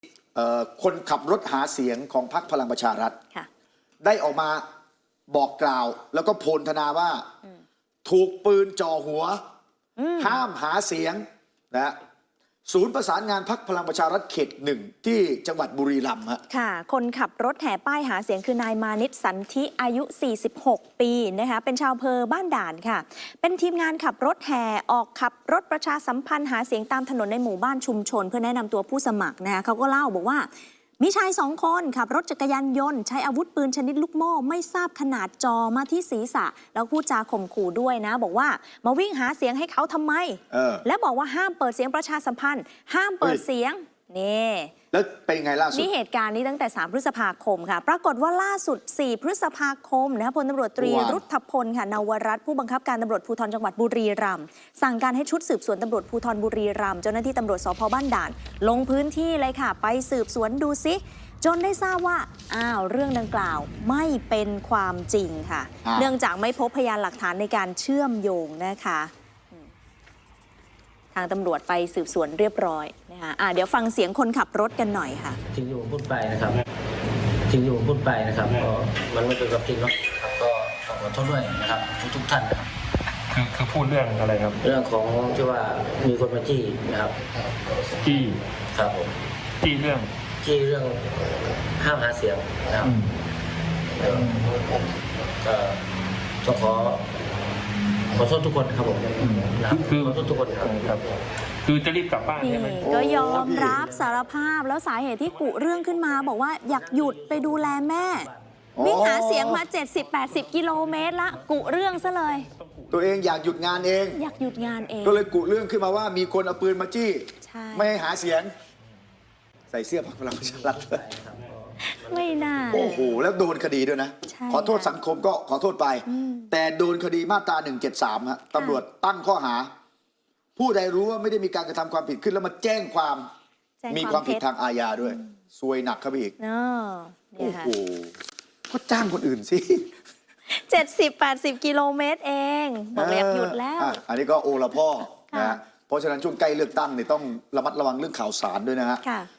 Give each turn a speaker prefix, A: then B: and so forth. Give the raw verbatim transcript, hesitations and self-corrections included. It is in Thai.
A: คนขับรถหาเสียงของพรรคพลังประชารัฐได้ออกมาบอกกล่าวแล้วก็โพลธนาว่าถูกปืนจ่อหัวห้ามหาเสียงนะศูนย์ประสานงานพรรคพลังประชารัฐเขตหนึ่งที่จังหวัดบุรีรัมย์
B: ค่ะคนขับรถแห่ป้ายหาเสียงคือนายมานิตสันธิอายุสี่สิบหกปีนะคะเป็นชาวอำเภอบ้านด่านค่ะเป็นทีมงานขับรถแห่ออกขับรถประชาสัมพันธ์หาเสียงตามถนนในหมู่บ้านชุมชนเพื่อแนะนำตัวผู้สมัครนะคะเขาก็เล่าบอกว่ามีชายสองคนขับรถจักรยานยนต์ใช้อาวุธปืนชนิดลูกโม่ไม่ทราบขนาดจอมาที่ศีรษะแล้วพูดจาข่มขู่ด้วยนะบอกว่ามาวิ่งหาเสียงให้เขาทำไมและบอกว่าห้ามเปิดเสียงประชาสัมพันธ์ห้ามเปิดเสียงนี่
A: แล้วเป็นไงล่าสุด
B: นี่เหตุการณ์นี้ตั้งแต่สามพฤษภาคมค่ะปรากฏว่าล่าสุดสี่พฤษภาคมนะคะพลตำรวจตรีรุทธพลค่ะนวรัตน์ผู้บังคับการตำรวจภูธรจังหวัดบุรีรัมย์สั่งการให้ชุดสืบสวนตำรวจภูธรบุรีรัมย์เจ้าหน้าที่ตำรวจสภ.บ้านด่านลงพื้นที่เลยค่ะไปสืบสวนดูซิจนได้ทราบว่าอ้าวเรื่องดังกล่าวไม่เป็นความจริงค่ะเนื่องจากไม่พบพยานหลักฐานในการเชื่อมโยงนะคะทางตำรวจไปสืบสวนเรียบร้อยนะคะะเดี๋ยวฟังเสียงคนขับรถกันหน่อยค่ะ
C: ทิ้งอยู่พูดไปนะครับทิ้งอยู่พูดไปนะครับก็มันไม่เป็นความจริงเนาะครับก็ขอโทษด้วยนะครับทุกท่านนะครับ
D: คือคือพูดเรื่องอะไรครับ
C: เรื่องของที่ว่ามีคนมาจี้นะครับ
D: จี้
C: ครับผม
D: จี้เรื่อง
C: จี้เรื่องห้ามหาเสียงนะครับก็ต้องขอขอโทษทุกคนครับผม
D: คือ
C: ขอโทษทุกคนครับ
D: คือจะรีบกลับบ้านใช่ไหม
B: ก็ยอมรับสารภาพแล้วสาเหตุที่กุเรื่องขึ้นมาบอกว่าอยากหยุดไปดูแลแม่วิ่งหาเสียงมา เจ็ดสิบแปดสิบ กิโลเมตรละกุเรื่องซะเลย
A: ตัวเองอยากหยุดงานเอง
B: อยากหยุดงานเอง
A: ก็เลยกุเรื่องขึ้นมาว่ามีคนเอาปืนมาจี้ไม่ให้หาเสียงใส่เสื้อพรรคพลังประชารัฐ
B: ไม่น่า
A: โอ้โหแล้วโดนคดีด้วยนะขอโทษสังคมก็ขอโทษไปแต่โดนคดีมาตราหนึ่งเจ็ดสามฮะตำรวจตั้งข้อหาผู้ใดรู้ว่าไม่ได้มีการกระทำความผิดขึ้นแล้วมาแจ้งความมีความผิดทางอาญาด้วยซวยหนักครับอีกโอ้โหก็จ้างคนอื่นสิ
B: เจ็ดสิบแปดสิบกิโลเมตรเองบอกอยากหยุดแล้ว
A: อันนี้ก็โอละพ่อนะเพราะฉะนั้นช่วงใกล้เลือกตั้งเนี่ยต้องระมัดระวังเรื่องข่าวสารด้วยนะฮะ